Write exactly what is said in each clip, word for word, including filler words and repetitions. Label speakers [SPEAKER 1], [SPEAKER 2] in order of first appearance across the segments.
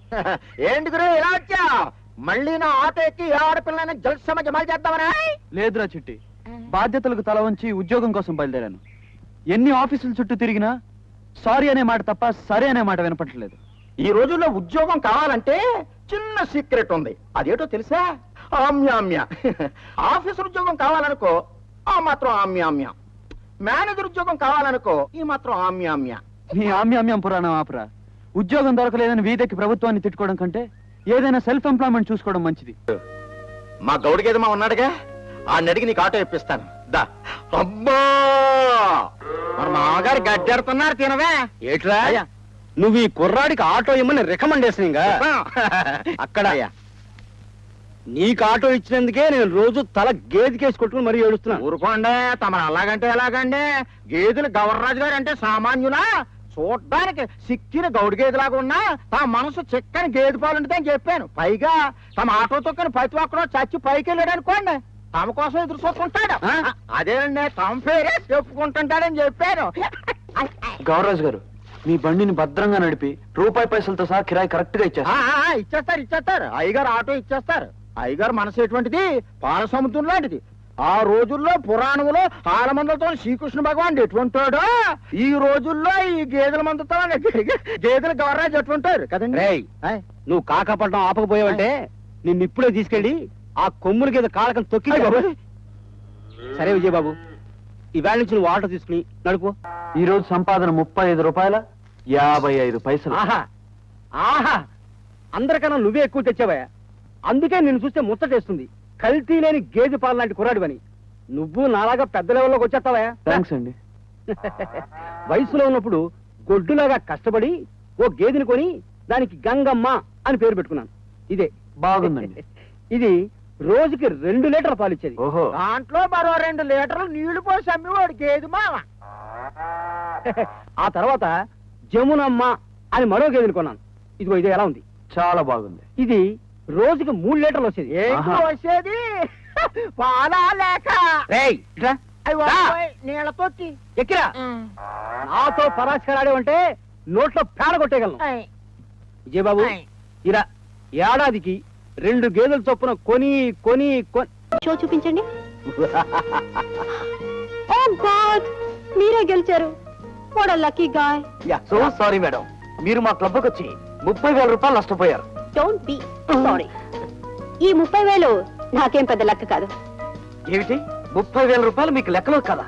[SPEAKER 1] ఏంటి గురు ఇలా వచ్చా? మళ్ళీ నా ఆటో ఎక్కి ఆడపిల్లని జల్సమ జమాలు చేద్దామనా?
[SPEAKER 2] లేదురా చిట్టి, బాధ్యతలకు తల వంచి ఉద్యోగం కోసం బయలుదేరాను. ఎన్ని ఆఫీసుల చుట్టూ తిరిగినా సారీ అనే మాట తప్ప సరే అనే మాట వినపట్టలేదు.
[SPEAKER 1] ఈ రోజుల్లో ఉద్యోగం కావాలంటే చిన్న సీక్రెట్ ఉంది. అదేటో తెలుసా? ఆమ్యామ్య. ఆఫీసర్ ఉద్యోగం కావాలనుకో ఆ మాత్రం ఆమ్యామ్య. మేనేజర్ ఉద్యోగం కావాలనుకో ఈ మాత్రం ఆమ్యామ్య.
[SPEAKER 2] నీ ఆమ్యామ్యం పురాణం ఆపురా. ఉద్యోగం దొరకలేదని వీధికి ప్రభుత్వాన్ని తిట్టుకోవడం కంటే ఏదైనా సెల్ఫ్ ఎంప్లాయ్మెంట్ చూసుకోవడం మంచిది.
[SPEAKER 1] మా గౌడిగేదమా ఉన్నాడుగా, ఆ నడికి నీకు ఆటో ఇప్పిస్తాను. దా. అబ్బా, మన మామగారు గడ్డెడుతున్నారు. తినవే.
[SPEAKER 3] ఏట్రా నువ్వు ఈ కుర్రాడికి ఆటో ఇమ్మని రికమెండేషన్ అక్కడ నీకు ఆటో ఇచ్చినందుకే నేను రోజు తల గేదికేసి కొట్టుకుని మరీ ఏడుస్తున్నా.
[SPEAKER 1] ఊరుకోండి, తమ అలాగంటే ఎలాగండి? గేదెలు గవర్రాజు గారు అంటే సామాన్యులా? చూడ్డానికి సిక్కిన గౌడి గేదెలాగా ఉన్నా తమ మనసు చిక్కని గేదె పాలు ఉంటుంది అని చెప్పాను. పైగా తమ ఆటో తొక్కని ప్రతి ఒక్కరూ చచ్చి పైకి వెళ్ళాడు అనుకోండి, తమ కోసం ఎదురు చూసుకుంటాడు. అదేనండి, తమ పేరే చెప్పుకుంటుంటాడని చెప్పాను.
[SPEAKER 2] గౌరరాజు గారు, మీ బండిని భద్రంగా నడిపి రూపాయి పైసలతో సహా కిరాయి కరెక్ట్ గా ఇచ్చేస్తారు.
[SPEAKER 1] ఇచ్చేస్తారు ఇచ్చేస్తారు అయ్యగారు ఆటో ఇచ్చేస్తారు. అయ్యగారు మనసు ఎటువంటిది? పాల సముద్రం లాంటిది. ఆ రోజుల్లో పురాణంలో ఆల మందలతో శ్రీకృష్ణ భగవాన్ ఎటువంటాడో ఈ రోజుల్లో ఈ గేదెల మందతో గేదెల గవర్రాజు ఎటువంటారు కదండి.
[SPEAKER 3] నువ్వు కాకపట్నం ఆపకపోయావంటే నిన్ను ఇప్పుడే తీసుకెళ్ళి ఆ కొమ్ముల గేదె కాలకం తొక్కి. సరే విజయబాబు, ఈవేళ నుంచి నువ్వు ఆటో తీసుకుని నడుపు.
[SPEAKER 2] ఈ రోజు సంపాదన ముప్పై ఐదు రూపాయల యాభై ఐదు పైసలు.
[SPEAKER 3] ఆహా ఆహా, అందరికన్నా నువ్వే ఎక్కువ తెచ్చావా? అందుకే నిన్ను చూస్తే ముచ్చటేస్తుంది. కల్తీ లేని గేదె పాలు లాంటి కుర్రాడివని. నువ్వు నాలాగా పెద్ద లెవెల్లోకి వచ్చేస్తావా?
[SPEAKER 2] థ్యాంక్స్ అండి.
[SPEAKER 3] వయసులో ఉన్నప్పుడు గొడ్డులాగా కష్టపడి ఓ గేదెని కొని దానికి గంగమ్మ అని పేరు పెట్టుకున్నాను. ఇదే
[SPEAKER 2] బాగుందండి.
[SPEAKER 3] ఇది రోజుకి రెండు లీటర్ల పాలు ఇచ్చేది.
[SPEAKER 2] ఓహో,
[SPEAKER 1] దాంట్లో మరో రెండు లీటర్లు నీళ్లు పోసి అమ్మివాడు గేదె మామ.
[SPEAKER 3] ఆ తర్వాత జమునమ్మ అని మరో గేదెని కొన్నాను. ఇదిగో ఇదే ఎలా ఉంది?
[SPEAKER 2] చాలా బాగుంది.
[SPEAKER 3] ఇది రోజుకి మూడు లీటర్లు వచ్చేది.
[SPEAKER 1] వచ్చేది పాలా లేక నీళ్ళ తొట్టి
[SPEAKER 3] ఎక్కిరా. నాతో పరాశకరాడేవంటే నోట్లో పేడ కొట్టేయగలను. విజయబాబు, ఇలా ఏడాదికి రెండు గేదెల చొప్పున కొని కొని కొని
[SPEAKER 4] షో చూపించండి. ఓ గాడ్, మీరే గెలిచారు. What a lucky guy.
[SPEAKER 2] So sorry madam, మీరు మా క్లబ్కి వచ్చి ముప్పై వేల రూపాయలు నష్టపోయారు.
[SPEAKER 4] Don't be sorry. ఈ ముప్పై వేలు నాకేం పెద్ద లెక్క కాదు.
[SPEAKER 2] ఏమిటి, ముప్పై వేల రూపాయలు మీకు లెక్కలో కదా?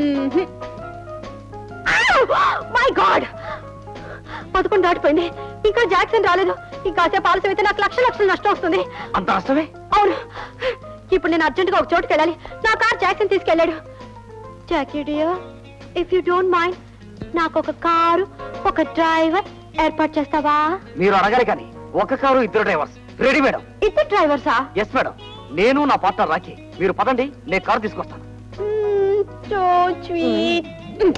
[SPEAKER 4] మై గాడ్, పదకొండు దాటిపోయింది, ఇంకా జాక్సన్ రాలేదు. ఇంకాసేపు ఆలస్యం అయితే నాకు లక్ష లక్షలు నష్టం వస్తుంది.
[SPEAKER 2] అంత నష్టమే?
[SPEAKER 4] అవును. ఇప్పుడు నేను అర్జెంట్ గా ఒక చోటుకి వెళ్ళాలి. నా కార్ జాక్సన్ తీసుకెళ్ళాడు. Jackie dear, if you don't mind, నాకు ఒక కారు, ఒక డ్రైవర్ ఏర్పాటు చేస్తావా?
[SPEAKER 2] మీరు అడగాలి కానీ ఒక కారు ఇద్దరు డ్రైవర్స్ రెడీ మేడం.
[SPEAKER 4] ఇద్దరు డ్రైవర్సా?
[SPEAKER 2] ఎస్ మేడం, నేను నా పార్ట్నర్ రాకి. మీరు పదండి, నేను కారు తీసుకొస్తాను.
[SPEAKER 4] So sweet.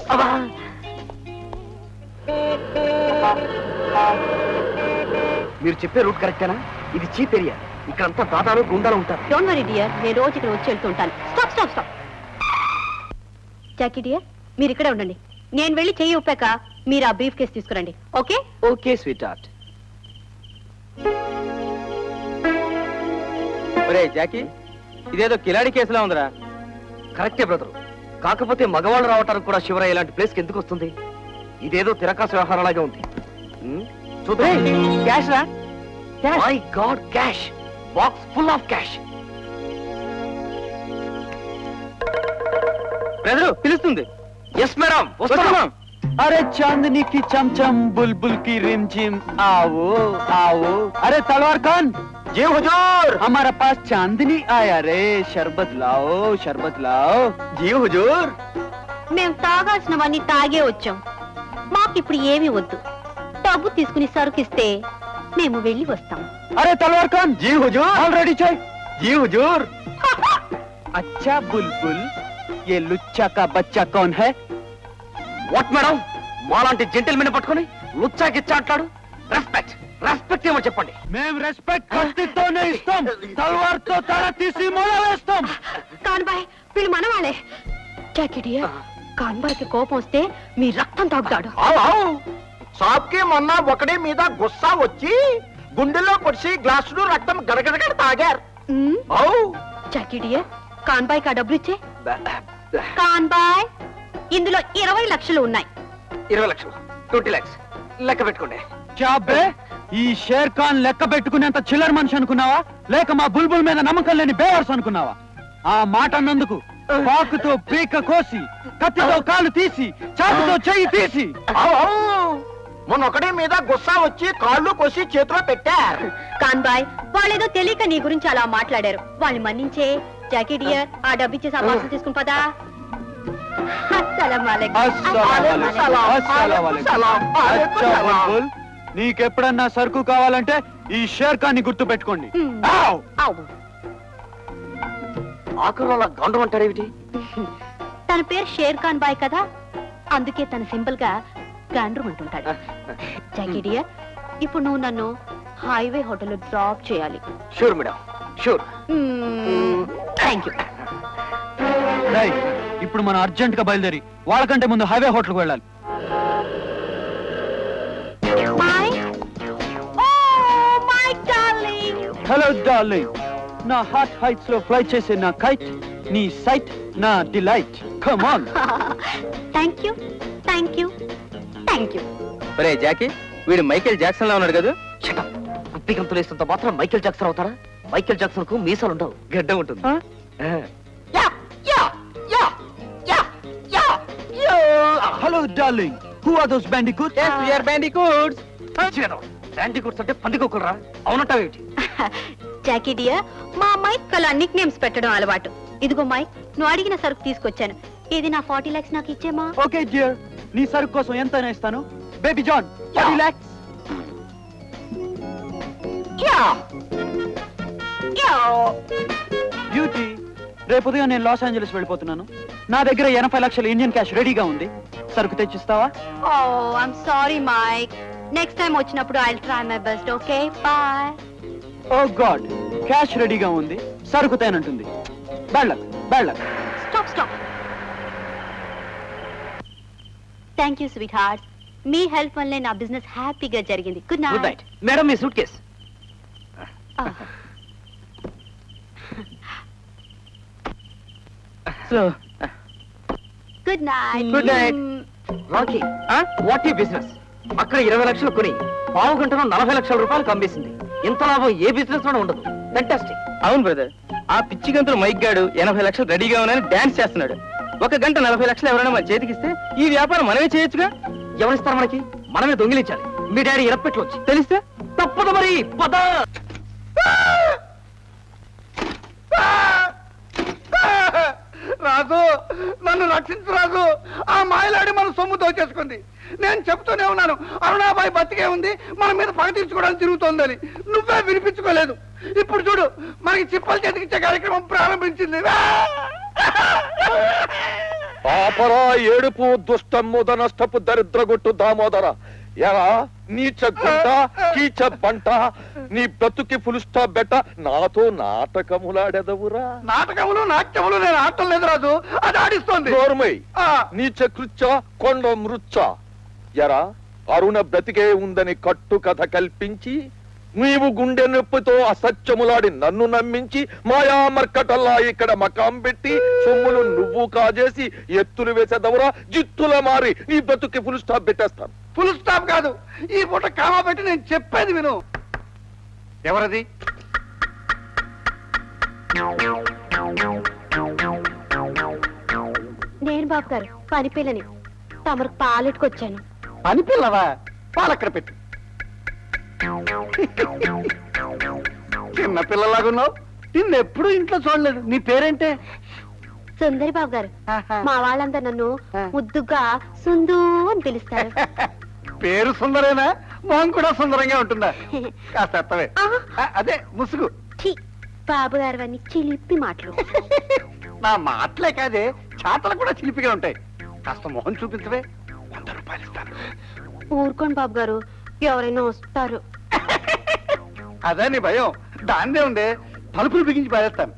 [SPEAKER 2] మీరు చెప్పే రూట్ కరెక్టేనా? ఇది చీప్ ఏరియా, ఇక్కడంతా దాదాలు గుండాలు ఉంటారు.
[SPEAKER 4] డోంట్ వరీ డియర్, నేను రోజు ఇక్కడ వచ్చి వెళ్తుంటాను. Stop stop stop. Jackie dear, మీరు ఇక్కడే ఉండండి. నేను వెళ్ళి చెయ్యి ఊపాక మీరు ఆ బ్రీఫ్ కేసు తీసుకురండి. ఓకే?
[SPEAKER 2] Okay sweetheart.
[SPEAKER 3] ఒరే జాకీ, ఇదేదో కిలాడి కేసులా ఉందిరా.
[SPEAKER 2] కరెక్టే బ్రదర్, కాకపోతే మగవాళ్ళు రావటానికి కూడా శివరాయ ఇలాంటి ప్లేస్ కి ఎందుకు వస్తుంది? ఇదేదో తిరకాసు వ్యవహారంలాగా ఉంది. చూద్దాం.
[SPEAKER 3] క్యాష్ రా.
[SPEAKER 2] My God, cash box full of cash.
[SPEAKER 3] Brother పిలుస్తుంది.
[SPEAKER 2] ఎస్ మేడం, వస్తున్నాం.
[SPEAKER 3] अरे चांदनी की चमचम बुलबुल की रिमझिम आओ आओ. अरे तलवार खान,
[SPEAKER 2] जी हुजूर.
[SPEAKER 3] हमारे पास चांदनी आया रे. शरबत लाओ, शरबत लाओ.
[SPEAKER 2] जी हुजूर.
[SPEAKER 4] మేము తాగాల్సినవన్నీ తాగే వచ్చాం. మాకిప్పుడు ఏమీ వద్దు. డబ్బు తీసుకుని సరుకిస్తే మేము వెళ్ళి వస్తాం.
[SPEAKER 3] अरे तलवार खान,
[SPEAKER 2] जी हुजूर.
[SPEAKER 3] ऑलरेडी चाय.
[SPEAKER 2] जी हुजूर.
[SPEAKER 3] अच्छा बुलबुल, ये लुच्चा का बच्चा कौन है?
[SPEAKER 2] వాట్ మేడం, మాలాంటి జెంటిల్మెన్ పట్టుకొని లుచ్చా గిచ్చా అంటాడు? రెస్పెక్ట్ రెస్పెక్ట్ ఏమో చెప్పండి.
[SPEAKER 3] మేము రెస్పెక్ట్ కత్తితోనే ఇస్తాం, తలవార్తో తల తీసి మొల వేస్తాం.
[SPEAKER 4] కాన్బాయ్, వీళ్ళు మనవాళ్ళే. జాకిడియా, కాన్బాయ్కి కోపం వస్తే మీ రక్తం తాగుతాడు.
[SPEAKER 1] షాప్ కి మొన్న ఒకటి మీద గుస్సా వచ్చి గుండెల్లో పొడిచి గ్లాసులు రక్తం గడగడగడ తాగారు.
[SPEAKER 4] మ్మ్.
[SPEAKER 1] ఔ
[SPEAKER 4] జాకీ డియర్ కాన్ బాయ్ కా డబ్బులు ఇచ్చే. కాన్ బాయ్ ఇందులో ఇరవై లక్షలు ఉన్నాయి.
[SPEAKER 2] ఇరవై లక్షలు ట్వంటీ లాక్స్ లెక్క పెట్టుకోండి.
[SPEAKER 3] చాబే ఈ షేర్ ఖాన్ లెక్క పెట్టుకునేంత చిల్లర మనిషి అనుకున్నావా, లేక మా బుల్బుల్ మీద నమ్మకం లేని బేవర్స్ అనుకున్నావా? ఆ మాట అన్నందుకు పాకుతో పీక కోసి, కత్తితో కాలు తీసి, చాకుతో చెయ్యి తీసి.
[SPEAKER 1] ఔ, ఔ. మొన్న ఒకటి మీద గుస్సా వచ్చి కాళ్ళు కోసి చేతిలో పెట్టారు.
[SPEAKER 4] కాన్ బాయ్ వాళ్ళేదో తెలియక నీ గురించి అలా మాట్లాడారు. వాళ్ళని మన్నించే. జాకీ డియర్ ఆ డబ్బు ఇచ్చేసి ఆ పార్సల్ తీసుకుని పదా. అస్సలం వాలేకుం.
[SPEAKER 3] అస్సలాం వాలేకుం. అస్సలాం వాలేకుం. అచ్చా బుల్బుల్, నీకెప్పుడన్నా సరుకు కావాలంటే ఈ షేర్ ఖాన్ ని గుర్తు పెట్టుకోండి.
[SPEAKER 4] మ్మ్.
[SPEAKER 3] ఔ!
[SPEAKER 4] ఔ.
[SPEAKER 2] ఆకులు అలా గండం అంటారేమిటి?
[SPEAKER 4] తన పేరు షేర్ ఖాన్ బాయ్ కదా, అందుకే తన సింపుల్ గా గాండ్రూ అంటుంటాడు. జాకీ డియర్ ఇప్పుడు నువ్వు నన్ను హైవే హోటల్ డ్రాప్ చేయాలి.
[SPEAKER 2] Sure madam, sure.
[SPEAKER 4] Thank you.
[SPEAKER 3] రేయ్, ఇప్పుడు మనం అర్జెంట్ గా బయలుదేరి వాళ్ళకంటే ముందు హైవే హోటల్ కు వెళ్ళాలి. హలో డార్లింగ్, నా హార్ట్ హైట్స్ లో ఫ్లై చేసే నా కైట్, నీ సైట్ నా delight. Come on.
[SPEAKER 4] Thank you thank you thank you.
[SPEAKER 3] ఒరే జాకీ, వీడు మైకేల్ జాక్సన్ లా ఉన్నాడు కదా.
[SPEAKER 2] కుప్పి గంతులు వేసినంత మాత్రం మైకేల్ జాక్సన్ అవుతారా? మైకేల్ జాక్సన్ కు మీసాలు ఉండవు, గడ్డ ఉంటుంది.
[SPEAKER 1] Yeah, yeah, yeah, yeah, yeah, yeah.
[SPEAKER 3] Hello darling, who are those bandicoots?
[SPEAKER 1] Yes, we are bandicoots.
[SPEAKER 2] శాండికూట్స్ అంటే పందికొక్కులరా? అవునంటావేమిటి?
[SPEAKER 4] జాకీ డియర్ మా మైక్ కలా నిక్ నేమ్స్ పెట్టడం అలవాటు. ఇదిగో మైక్, నువ్వు అడిగిన సరుకు తీసుకొచ్చాను. ఇది నా ఫార్టీ లాక్స్ నాకు ఇచ్చేమా.
[SPEAKER 3] ఓకే డియర్, నీ సరుకు కోసం ఎంత ఇస్తాను? బేబీ జాన్, forty lakhs.
[SPEAKER 1] Yeah, yeah.
[SPEAKER 3] Beauty, రేపు ఉదయం నేను లాస్ ఏంజలస్ వెళ్ళిపోతున్నాను. నా దగ్గర ఎనభై లక్షల ఇండియన్ క్యాష్ రెడీగా ఉంది. సరుకు తెచ్చిస్తావా?
[SPEAKER 4] Oh I'm sorry Mike, next time వచ్చినప్పుడు I will try my best. Okay bye.
[SPEAKER 3] Oh God, cash రెడీగా ఉంది, సరుకు తేనంటుంది. Bad luck, bad luck.
[SPEAKER 4] Stop stop. Thank you sweetheart, మీ హెల్ప్ వల్లే నా బిజినెస్ హ్యాపీగా జరిగింది. Good
[SPEAKER 2] good
[SPEAKER 4] night.
[SPEAKER 2] Night madam. మీ suitcase.
[SPEAKER 3] So
[SPEAKER 4] good night.
[SPEAKER 2] Good night. Rocky, what ఈ బిజినెస్? అక్కడ ఇరవై లక్షలు కొని పావు గంటలో నలభై లక్షల రూపాయలు అమ్మేసింది. ఇంత లాభం ఏ బిజినెస్ లోనే ఉండదు. ఫెంటాస్టిక్.
[SPEAKER 3] అవును బ్రదర్, ఆ పిచ్చి గంతులు మైక్ గాడు ఎనభై లక్షలు రెడీగా ఉన్నాయని డాన్స్ చేస్తున్నాడు. ఒక గంట నలభై లక్షలు ఎవరైనా మన చేతికిస్తే ఈ వ్యాపారం మనమే చేయొచ్చుగా.
[SPEAKER 2] ఎవరిస్తారు మనకి? మనమే దొంగిలించాలి. మీ డాడీ ఇరప్పెట్లు వచ్చి
[SPEAKER 3] తెలిస్తే
[SPEAKER 2] తప్పదు మరి. పద.
[SPEAKER 5] రాజు, నన్ను రక్షించు రాజు. ఆ మాయలాడి మన సొమ్ము దోచేసుకుంది. నేను చెప్తూనే ఉన్నాను, అరుణాబాయి బతికే ఉంది, మన మీద పగ తీర్చుకోవడానికి తిరుగుతోందని. నువ్వే వినిపించుకోలేదు. ఇప్పుడు చూడు, మనకి చిప్పలు చేతికిచ్చే కార్యక్రమం ప్రారంభించింది.
[SPEAKER 6] పాపరా ఏడుపు దుష్టమ్ముద నష్టపు దరిద్రగొట్టు దామోదర. ఎరా నీచ గుంట కీచ బంట, నీ బ్రతుకి ఫుల్ స్టాప్ బెట్ట నాతో నాటకములాడెదవురా.
[SPEAKER 5] నాటకములు నాట్యములు నేను ఆడటం లేదు రాజు, అది ఆడిస్తోంది.
[SPEAKER 6] నోర్మై,
[SPEAKER 5] ఆ,
[SPEAKER 6] నీచ కృచ్చ కొండ మృచ్చ. ఎరా అరుణ బ్రతికే ఉందని కట్టు కథ కల్పించి, నీవు గుండె నొప్పితో అసత్యములాడి నన్ను నమ్మించి, మాయా మర్కటల్లా ఇక్కడ మకాం పెట్టి సొమ్ములు నువ్వు కాజేసి ఎత్తులు వేసేదవరా. జిత్తుల మారి నీ బ్రతుకి ఫుల్ స్టాప్ పెట్టేస్తాను.
[SPEAKER 5] ఫుల్ స్టాప్ కాదు, ఈ పూట కామా పెట్టి నేను చెప్పేది విను. ఎవరది?
[SPEAKER 4] నేను బాబు గారు పని పిల్లని, తమకు పాలెట్టుకొచ్చాను.
[SPEAKER 5] పని పిల్లవా? పాలక్కడ పెట్టు. చిన్న పిల్లలాగున్నావు, నిన్నెప్పుడు ఇంట్లో చూడలేదు. నీ పేరేంటే?
[SPEAKER 4] సుందరి బాబు గారు. మా వాళ్ళందరూ నన్ను ముద్దుగా సుందు అని పిలుస్తారు.
[SPEAKER 5] పేరు సుందరేనా? మొహం కూడా సుందరంగా ఉంటుందా? కాస్త ఎత్తవే. ఆ, అదే ముసుగు.
[SPEAKER 4] ఛీ, బాబు గారు అన్ని చిలిపి మాటలు.
[SPEAKER 5] నా మాటలే కాదే, చాతలు కూడా చిలిపిగా ఉంటాయి. కాస్త మొహం చూపించవే, వంద రూపాయలు ఇస్తాను.
[SPEAKER 4] ఊరుకోండి బాబు గారు, ఎవరైనా వస్తారు.
[SPEAKER 5] అదే నీ భయం, దాన్నే ఉండే. తలుపులు బిగించి పారేస్తాను.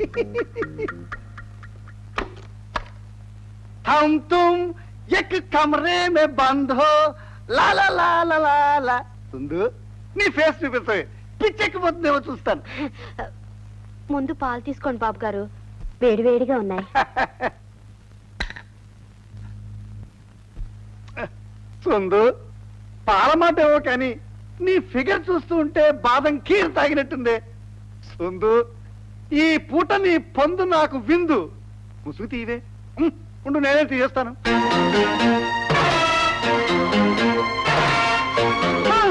[SPEAKER 5] హమ్ తుమ్ ఎక్ కమరే మే బంద్ హో, లా లా లా లా లా లా. సుందు, నీ ఫేస్ చూపిస్తాయి పిచ్చెక్కిపోతుందేమో చూస్తాను.
[SPEAKER 4] ముందు పాలు తీసుకోండి బాబు గారు, వేడివేడిగా ఉన్నాయి.
[SPEAKER 5] సొందు పాల మాట ఏవో కానీ నీ ఫిగర్ చూస్తూ ఉంటే బాదం కీరు తాగినట్టుందే. సొందు ఈ పూట నీ పొందు నాకు విందు. ముసుగు తీవే. ఉమ్, ఉండు నేనే తీయేస్తాను.